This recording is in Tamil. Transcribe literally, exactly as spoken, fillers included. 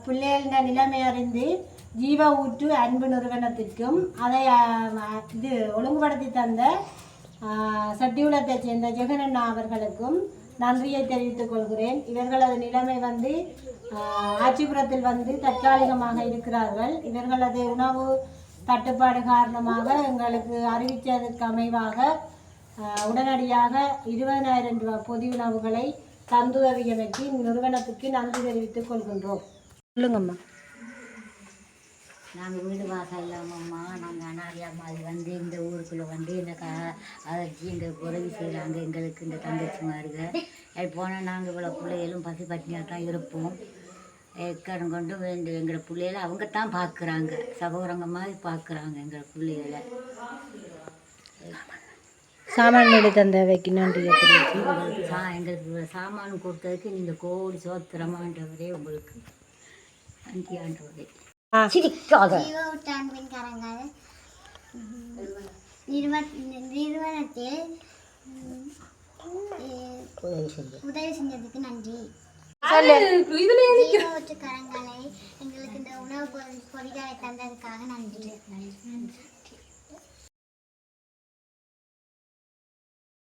பிள்ளைகளின் நிலைமை அறிந்து ஜீவ ஊற்று அன்பு நிறுவனத்திற்கும் அதை இது ஒழுங்குபடுத்தி தந்த சட்டியுலத்தை சேர்ந்த ஜெகனண்ணா அவர்களுக்கும் நன்றியை தெரிவித்துக் கொள்கிறேன். இவர்களது நிலைமை வந்து ஆட்சிபுரத்தில் வந்து தற்காலிகமாக இருக்கிறார்கள். இவர்களது உணவு தட்டுப்பாடு காரணமாக எங்களுக்கு அறிவித்ததற்கு அமைவாக உடனடியாக இருபதாயிரம் ரூபாய் பொது உணவுகளை தந்துதவியமைக்கு நிறுவனத்துக்கு நன்றி தெரிவித்துக் கொள்கின்றோம். சொல்லுங்கம்மா. நாங்கள் வீடு வாசல் இல்லாமம்மா நாங்கள் அனாரியா மாதிரி வந்து இந்த ஊருக்குள்ளே வந்து இந்த க அதற்கு எங்களுக்கு உதவி செய்கிறாங்க. எங்களுக்கு இந்த தங்கச்சிமாருங்க அது போனால் நாங்கள் இவ்வளோ பிள்ளைகளும் பசி பட்டினியாக தான் இருப்போம். கடன் கொண்டு வேண்டு எங்களை பிள்ளைகளை அவங்க தான் பார்க்குறாங்க, சகோதரங்க மாதிரி பார்க்குறாங்க எங்களை பிள்ளைகளை. சாமான் எடுத்து தந்த வைக்கணும் சா எங்களுக்கு சாமான் கொடுத்ததுக்கு நீங்கள் கோடி சோத்திரமான்றவரே உங்களுக்கு நன்றி ஆண்டவரே. நிறுவனத்தில் உதவி செஞ்சதுக்கு நன்றி. கரங்களை எங்களுக்கு இந்த உணவு பொருட்களை தந்ததுக்காக நன்றி.